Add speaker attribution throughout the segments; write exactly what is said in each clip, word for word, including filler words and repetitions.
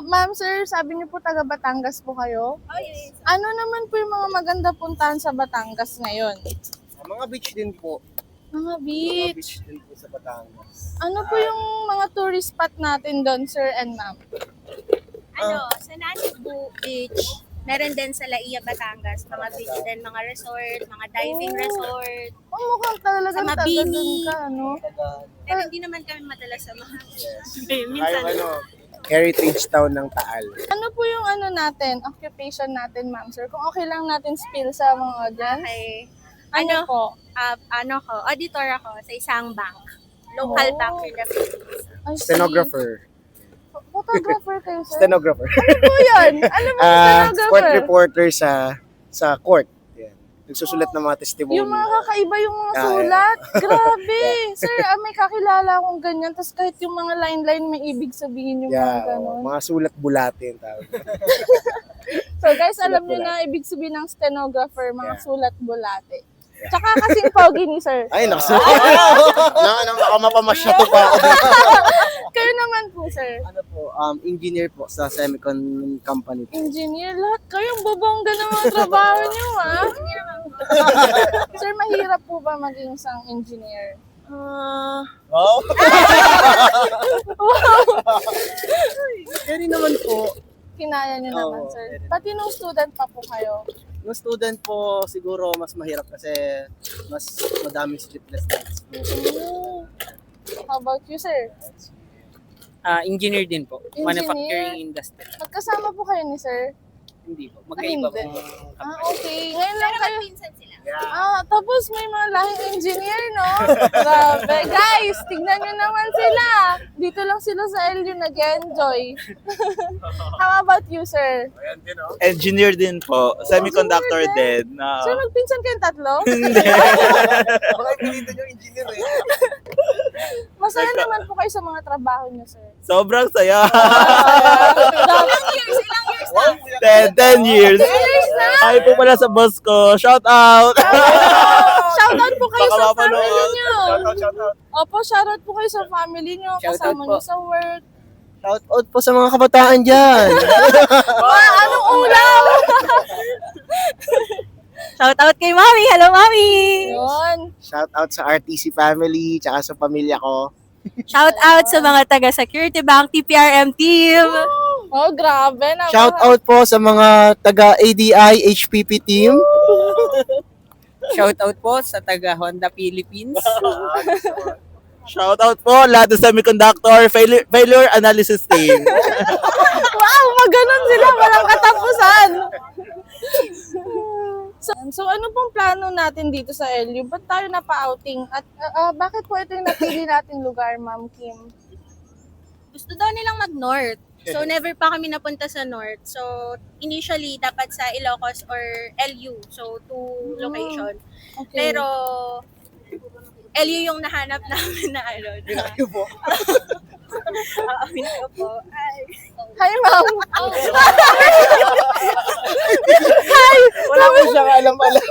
Speaker 1: ma'am, sir, sabi niyo po taga Batangas po kayo.
Speaker 2: Oh, yes.
Speaker 1: Ano naman po yung mga maganda puntahan sa Batangas ngayon?
Speaker 3: Mga beach din po.
Speaker 1: Mga
Speaker 3: Mga
Speaker 1: beach.
Speaker 3: beach din po sa Batangas.
Speaker 1: Ano po yung mga tourist spot natin doon, sir and ma'am?
Speaker 2: Ano, sa Nanibu Beach, meron din sa Laia, Batangas, mga beach din, mga resort, mga diving
Speaker 1: Oh.
Speaker 2: resort.
Speaker 1: Oh, mukhang talaga
Speaker 2: Sa
Speaker 1: taga
Speaker 2: Mabini.
Speaker 1: doon ka, no?
Speaker 2: Pero hindi naman kami madalas sa mga.
Speaker 3: Yes.
Speaker 2: Minsan,
Speaker 3: Tayo ano, Heritage Town ng Taal.
Speaker 1: Ano po yung ano natin, occupation natin, ma'am, sir? Kung okay lang natin spill sa mga audience.
Speaker 2: okay.
Speaker 1: Ano
Speaker 2: Ano,
Speaker 1: po?
Speaker 2: ah, ano ko, auditor ako sa isang bank. Local
Speaker 1: Oh.
Speaker 2: bank in the Philippines.
Speaker 1: Ay, see.
Speaker 3: Stenographer.
Speaker 1: Photographer kayo, sir?
Speaker 3: Stenographer.
Speaker 1: Ano po yun? Ano po yung
Speaker 3: Ah, court
Speaker 1: stenographer?
Speaker 3: reporter sa sa court. Yan. Nagsusulat ng mga testimony.
Speaker 1: Yung mga kakaiba yung mga
Speaker 3: Ah,
Speaker 1: sulat. Grabe. Sir, ah, may kakilala akong ganyan. Tapos kahit yung mga line-line may ibig sabihin yung mga
Speaker 3: Yeah,
Speaker 1: ganon.
Speaker 3: oh, mga sulat bulate yung tawag.
Speaker 1: So guys,
Speaker 3: Sulat
Speaker 1: alam niyo
Speaker 3: bulate.
Speaker 1: na ibig sabihin ng stenographer, mga
Speaker 3: Yeah.
Speaker 1: sulat bulate. Tsaka kasing pogi ni sir.
Speaker 3: Ay, naku. na, na, baka mapamasya to pa ako.
Speaker 1: Kayo naman po, sir.
Speaker 3: Ano po, um, engineer po sa semicon company.
Speaker 1: Engineer, lahat kayong babongga ng mga trabaho niyo, ah. Sir, mahirap po ba maging isang engineer?
Speaker 3: Ah, wow. Kaya naman po.
Speaker 1: Kinaya niyo
Speaker 3: Oo,
Speaker 1: naman, sir.
Speaker 3: very
Speaker 1: Pati nung student pa po kayo.
Speaker 3: Yung student po siguro mas mahirap kasi mas madaming sleepless nights po.
Speaker 1: Oh. How about you, sir?
Speaker 4: Ah, engineer din po.
Speaker 1: Engineer?
Speaker 4: Manufacturing industry.
Speaker 1: Magkasama po kayo ni sir?
Speaker 4: Hindi po. Magkaiba po.
Speaker 1: hindi. Ah, okay. Ngayon lang
Speaker 2: pero
Speaker 1: kayo.
Speaker 2: pinsan sila.
Speaker 1: Ah, tapos may mga lahing engineer, no? Grabe. Guys, tignan nyo naman sila. Dito lang sila sa L U nag-enjoy. How about you, sir?
Speaker 5: Engineer din po. Semiconductor
Speaker 1: Engineer
Speaker 5: din. Ah,
Speaker 1: Sir, magpinsan kayong tatlo?
Speaker 3: Baka pinito yung engineer eh.
Speaker 1: Masaya naman po kayo sa mga trabaho nyo, sir.
Speaker 5: sobrang saya.
Speaker 2: Ilang years, ilang years na?
Speaker 5: ten, ten years.
Speaker 1: Years na?
Speaker 5: Hi po pala sa boss ko. Shout out.
Speaker 1: Shoutout po kayo
Speaker 5: Baka
Speaker 1: sa
Speaker 5: mapanood.
Speaker 1: family nyo.
Speaker 3: Shoutout, shoutout.
Speaker 1: Opo, shoutout po kayo sa family nyo.
Speaker 3: Shoutout
Speaker 1: Kasama
Speaker 3: po.
Speaker 1: nyo sa work.
Speaker 3: Shoutout po sa mga kabataan dyan.
Speaker 1: Ma, anong ulam?
Speaker 2: Shout out kay Mami. Hello, Mami.
Speaker 1: Yun.
Speaker 3: Shoutout sa R T C family, tsaka sa pamilya ko.
Speaker 2: Shout out sa mga taga Security Bank T P R M team.
Speaker 1: Oh, grabe. Napaka-
Speaker 3: Shoutout po sa mga taga A D I H P P team.
Speaker 4: Shout out po sa taga Honda Philippines.
Speaker 5: Shout out po lahat ng semiconductor failure, failure analysis team.
Speaker 1: Wow, maganon sila. Walang katapusan. So, so ano pong plano natin dito sa L U? Ba't tayo napa-outing? At ah, ah, bakit po ito yung napili nating lugar, Ma'am Kim?
Speaker 2: Gusto daw nilang mag-north. So, never pa kami napunta sa north. So, initially, dapat sa Ilocos or L U. So, two location.
Speaker 1: Okay.
Speaker 2: Pero, L U yung nahanap namin na ano. Na,
Speaker 3: po.
Speaker 2: Aamin ko po. Ay.
Speaker 1: Hi, Ma'am.
Speaker 3: Wala po siyang alam-alam.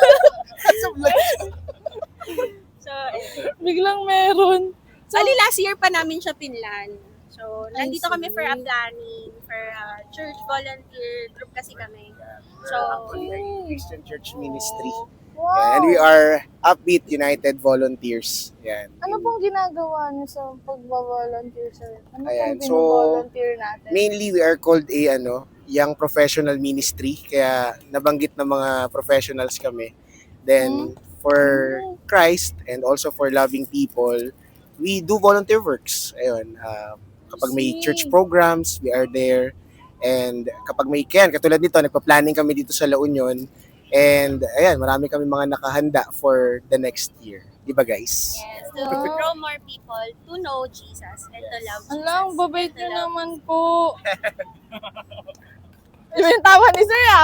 Speaker 2: So,
Speaker 1: Biglang meron.
Speaker 2: Bali, last year pa namin siya pinlan. So,
Speaker 1: I
Speaker 2: nandito kami
Speaker 1: see.
Speaker 2: for a planning, for a church volunteer group kasi kami. So,
Speaker 3: Actually, ay Christian Church Ministry.
Speaker 1: Wow.
Speaker 3: And we are Upbeat United Volunteers. Yan.
Speaker 1: Ano pong ginagawa niyo sa pagbavolunteer, sir? Ano
Speaker 3: Ayan,
Speaker 1: pong
Speaker 3: so,
Speaker 1: binovolunteer natin?
Speaker 3: Mainly, we are called a ano, young professional ministry. Kaya nabanggit ng mga professionals kami. Then, for Christ and also for loving people, we do volunteer works. Ayun. Uh, kapag may
Speaker 1: See.
Speaker 3: church programs, we are there. And kapag may can, katulad nito, nagpa-planning kami dito sa La Union. And ayan, marami kami mga nakahanda for the next year. Diba guys?
Speaker 2: yes, to draw more people to know Jesus and to love Jesus.
Speaker 1: Alang, babait
Speaker 2: and to
Speaker 1: niyo
Speaker 2: love-
Speaker 1: naman po. Iba yung tawa ni sir, ah.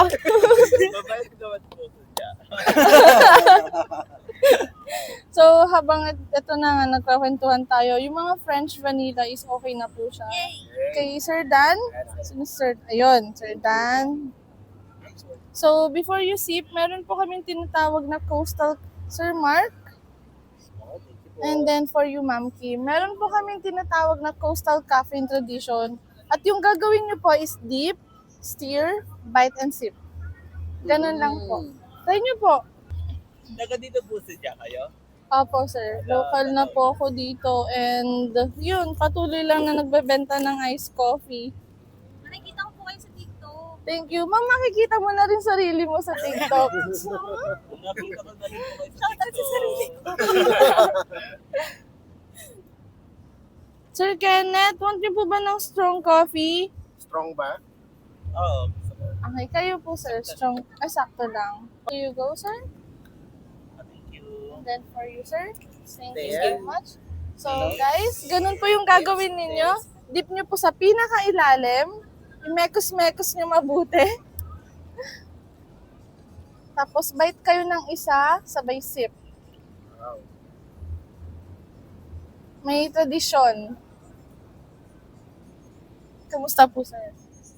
Speaker 1: So, habang et- ito na nga, nagkakwentuhan tayo, yung mga French vanilla is okay na po siya.
Speaker 2: Yay!
Speaker 1: Kay Sir Dan, sino Sir, ayun, Sir Dan. So, before you sip, meron po kaming tinatawag na coastal, Sir Mark. And then for you, Ma'am Kim, meron po kaming tinatawag na coastal caffeine tradition. At yung gagawin nyo po is dip, stir, bite, and sip. Ganun lang po. Try nyo po.
Speaker 5: Taga dito po siya kayo?
Speaker 1: Opo, sir. Local na po ako dito. And yun, patuloy lang na nagbebenta ng iced coffee.
Speaker 2: Nakikita ko po kayo sa TikTok.
Speaker 1: Thank you. Ma'am, makikita mo na rin sarili mo sa TikTok.
Speaker 5: Nakita ko na rin po kayo sa
Speaker 2: Shoutout sa sarili ko.
Speaker 1: Sir Kenneth, want niyo po ba ng strong coffee?
Speaker 3: Strong ba?
Speaker 5: Oo.
Speaker 1: Okay, kayo po, sir. Strong. Ay, sakto lang. Here you go, sir.
Speaker 5: Thank you.
Speaker 1: And then for you, sir. Thank you
Speaker 3: There.
Speaker 1: so much. So, guys, ganun po yung gagawin ninyo. Dip nyo po sa pinakailalim. I-mekos-mekos nyo mabuti. Tapos, bite kayo ng isa, sabay sip.
Speaker 3: Wow.
Speaker 1: May tradisyon. Kamusta po, sir?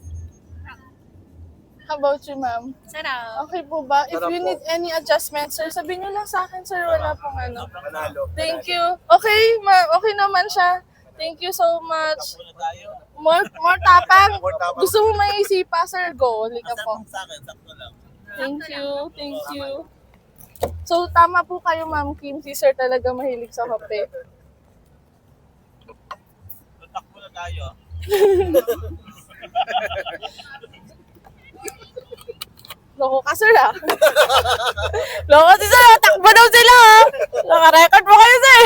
Speaker 1: How about you, ma'am?
Speaker 2: Sarap.
Speaker 1: Okay po ba? If
Speaker 3: Sarap
Speaker 1: you
Speaker 3: po.
Speaker 1: need any adjustment, sir, sabihin nyo lang sa akin, sir. Wala pong ano.
Speaker 3: Manalo.
Speaker 1: Thank you. Okay, ma okay naman siya. Thank you so much.
Speaker 5: Muna tayo.
Speaker 1: More, more tapang.
Speaker 3: More tapang.
Speaker 1: Gusto mo may isipa, sir? Go. Halika po.
Speaker 5: Sakto sa akin, sakto lang.
Speaker 1: Thank you. Thank you. So, tama po kayo, Ma'am Kim. Si sir talaga mahilig sa kape.
Speaker 5: Kontak muna tayo.
Speaker 1: Loko ka, sir, ah. Loko si sir, ah. Takbo daw sila, ah. Naka-record mo kayo, sir.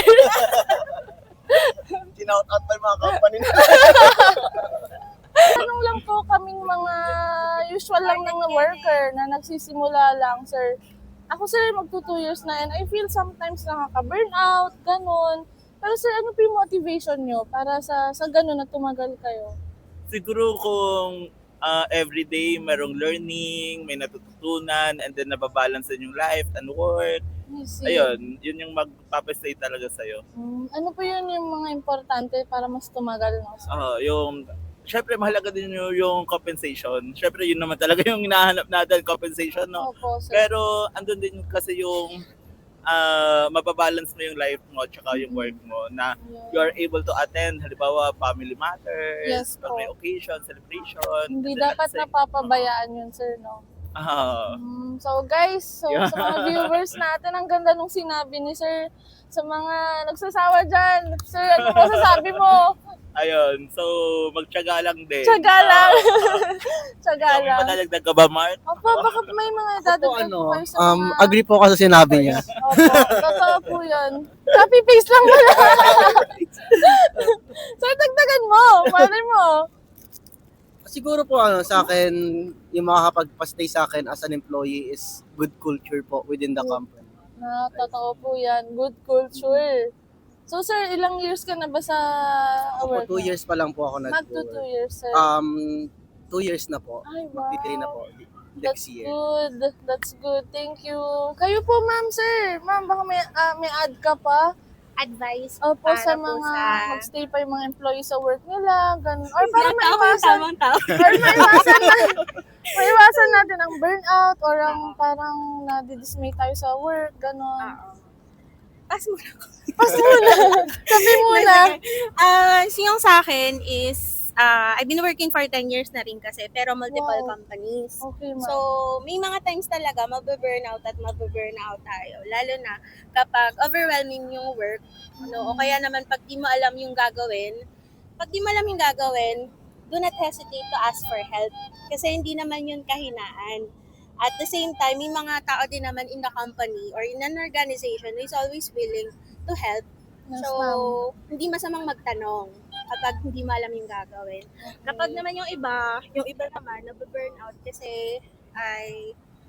Speaker 3: Sinout out pa yung mga company na.
Speaker 1: Tanong lang po kaming mga usual lang ng worker na nagsisimula lang, sir. Ako, sir, magto two years na and I feel sometimes nakaka-burnout, ganun. Pero sir, ano po yung motivation nyo para sa sa ganun na tumagal kayo?
Speaker 5: Siguro kung uh, everyday merong learning, may natututunan, and then nababalance din yung life and work.
Speaker 1: I see.
Speaker 5: Ayun, yun yung magpapastay talaga sa'yo.
Speaker 1: Hmm, ano po yun yung mga importante para mas tumagal, no? sir?
Speaker 5: Ah, yung syempre mahalaga din yung, yung compensation. Syempre yun naman talaga yung hinahanap natin, compensation, no?
Speaker 1: Opo, sir.
Speaker 5: Pero andun din kasi yung ah mababalance mo yung life mo tsaka yung work mo na you are able to attend, halimbawa family matters,
Speaker 1: Yes
Speaker 5: pag
Speaker 1: po.
Speaker 5: may occasion, celebration.
Speaker 1: Hindi
Speaker 5: and then at
Speaker 1: dapat
Speaker 5: the same-
Speaker 1: napapabayaan yun, sir, no?
Speaker 5: Ah,
Speaker 1: Mm, so guys, so
Speaker 5: Yeah.
Speaker 1: sa mga viewers natin, ang ganda nung sinabi ni sir. Sa mga nagsasawa dyan, sir, ano mo sasabi mo?
Speaker 5: ayun, so magtiyaga lang din.
Speaker 1: Tsaga lang. Tsaga
Speaker 5: May
Speaker 1: lang.
Speaker 5: madalagdag ka ba, Mark?
Speaker 1: Opo, baka may mga dadagdag
Speaker 6: ano,
Speaker 1: po kayo sa
Speaker 6: um,
Speaker 1: mga...
Speaker 6: agree po ako sa sinabi niya.
Speaker 1: Opo, totoo po yun. Copy-paste lang mo lang. Sir, dagdagan mo. Malay mo.
Speaker 6: Siguro po ano, sa akin, yung makakapagpastay sa akin as an employee is good culture po within the company.
Speaker 1: Na, totoo po yan. Good culture. So, sir, ilang years ka na ba sa
Speaker 6: Po,
Speaker 1: work?
Speaker 6: two years pa lang po ako
Speaker 1: Mag to two
Speaker 6: nag-work.
Speaker 1: years, sir.
Speaker 6: Um, two years na po.
Speaker 1: Ay, wow.
Speaker 6: Magti-three na po
Speaker 1: That's
Speaker 6: next year.
Speaker 1: good. That's good. Thank you. Kayo po, ma'am, sir. Ma'am, baka may, ah, may add ka pa?
Speaker 2: Advice
Speaker 1: Opo,
Speaker 2: para
Speaker 1: sa
Speaker 2: po
Speaker 1: mga
Speaker 2: sa...
Speaker 1: magstay pa yung mga employees sa work nila. Ganun. Or para maiwasan,
Speaker 2: Tamang tao.
Speaker 1: or maiwasan, na, maiwasan natin ang burnout or ang parang nadidismay tayo sa work. Ganun.
Speaker 2: Pass mo na.
Speaker 1: Pas muna. Sabi muna.
Speaker 2: Ah, so yung sa akin is, ah, I've been working for ten years na rin kasi, pero multiple
Speaker 1: Wow.
Speaker 2: companies.
Speaker 1: Okay, ma'am.
Speaker 2: So, may mga times talaga mababurnout at mababurnout tayo. Lalo na kapag overwhelming yung work, ano, o kaya naman pag di mo alam yung gagawin, pag di mo alam yung gagawin, do not hesitate to ask for help. Kasi hindi naman yun kahinaan. At the same time, may mga tao din naman in the company or in an organization who is always willing to help.
Speaker 1: Yes,
Speaker 2: So,
Speaker 1: ma'am.
Speaker 2: hindi masamang magtanong kapag hindi mo alam yung gagawin. Kapag naman yung iba, yung iba naman, nababurnout kasi ay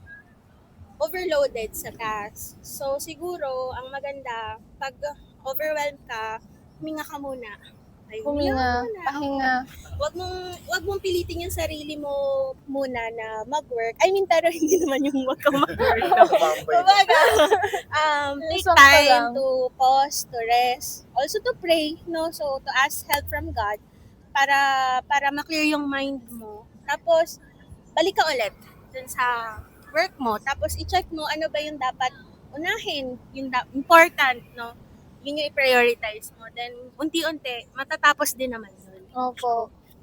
Speaker 2: overloaded sa task. So, siguro, ang maganda, pag overwhelmed ka, huminga ka muna. Ay,
Speaker 1: Huminga,
Speaker 2: muna.
Speaker 1: pahinga.
Speaker 2: Wag mong, wag mong pilitin yung sarili mo muna na mag-work. I mean, pero hindi naman yung wag kang mag-work. Kumbaga, um,
Speaker 1: Yung
Speaker 2: take
Speaker 1: sakto lang.
Speaker 2: time to pause, to rest, also to pray, no? So, to ask help from God para para ma-clear yung mind mo. Tapos, balik ka ulit dun sa work mo. Tapos, i-check mo ano ba yung dapat unahin, yung da- important, no? Yun yung i-prioritize mo. Then, unti-unti, matatapos din naman yun.
Speaker 1: Opo.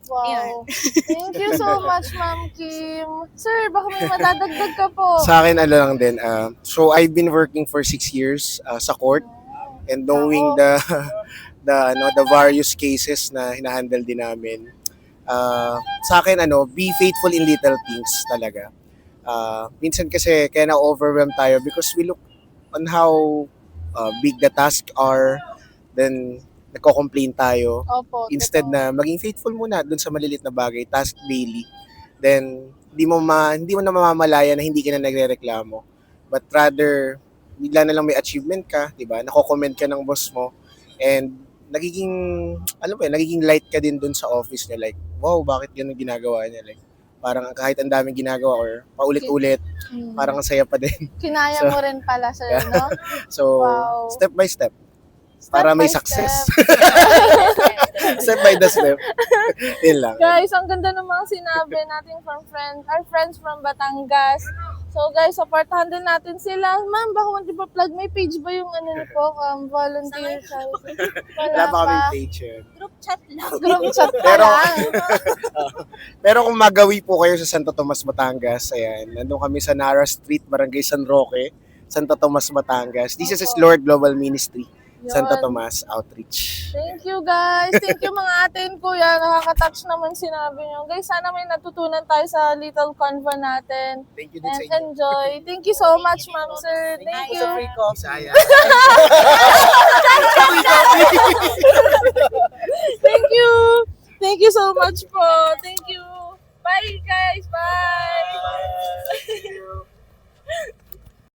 Speaker 1: Wow. Thank you so much, Ma'am Kim. Sir, baka may madadagdag ka po.
Speaker 3: Sa akin, ano lang din. Uh, so, I've been working for six years uh, sa court and knowing the the ano the various cases na hinahandle din namin. Uh, sa akin, ano, be faithful in little things talaga. Uh, minsan kasi kaya na-overwhelm tayo because we look on how uh, big the tasks are, then nagko-complain tayo.
Speaker 1: Opo.
Speaker 3: Instead
Speaker 1: totoo.
Speaker 3: na maging faithful muna dun sa malilit na bagay, task daily, then hindi mo ma, hindi mo na mamamalaya na hindi ka na nagrereklamo. But rather, bigla na lang may achievement ka, di ba? Nako-comment ka ng boss mo and nagiging, alam mo yun, nagiging light ka din dun sa office niya. Like, wow, bakit ganun ginagawa niya? Like, parang kahit ang daming ginagawa or paulit-ulit,
Speaker 1: Mm.
Speaker 3: parang ang saya pa din.
Speaker 1: Kinaya
Speaker 3: So,
Speaker 1: mo rin pala, sir, no?
Speaker 3: So,
Speaker 1: Wow.
Speaker 3: step by step.
Speaker 1: Step
Speaker 3: Para may
Speaker 1: by
Speaker 3: success.
Speaker 1: step.
Speaker 3: Step by the step. Yun lang.
Speaker 1: Guys, ang ganda ng mga sinabi natin from friend, our friends from Batangas. So guys, supportahan din natin sila. Ma'am, baka di ba plug? May page ba yung ano ni po? Um, volunteer sa...
Speaker 3: Wala
Speaker 1: Wala
Speaker 3: pa kaming
Speaker 1: pa.
Speaker 3: page yun.
Speaker 2: Group chat lang.
Speaker 1: Group chat pa
Speaker 3: Pero-
Speaker 1: lang.
Speaker 3: Pero kung magawi po kayo sa Santo Tomas, Batangas, ayan, nandun kami sa Nara Street, Barangay San Roque, Santo Tomas, Batangas. This is Lord Global Ministry, Santo
Speaker 1: Yun.
Speaker 3: Tomas Outreach.
Speaker 1: Thank you guys. Thank you mga ate and kuya. Nakaka-touch naman sinabi nyo. Guys, sana may natutunan tayo sa little convo natin.
Speaker 3: Thank you din sa
Speaker 1: And
Speaker 3: inyo.
Speaker 1: enjoy. Thank you so much, ma'am, sir. Thank you.
Speaker 6: Sa free coffee.
Speaker 3: Bisaya.
Speaker 1: Thank you. Thank you so much po. Thank you. Bye, guys. Bye.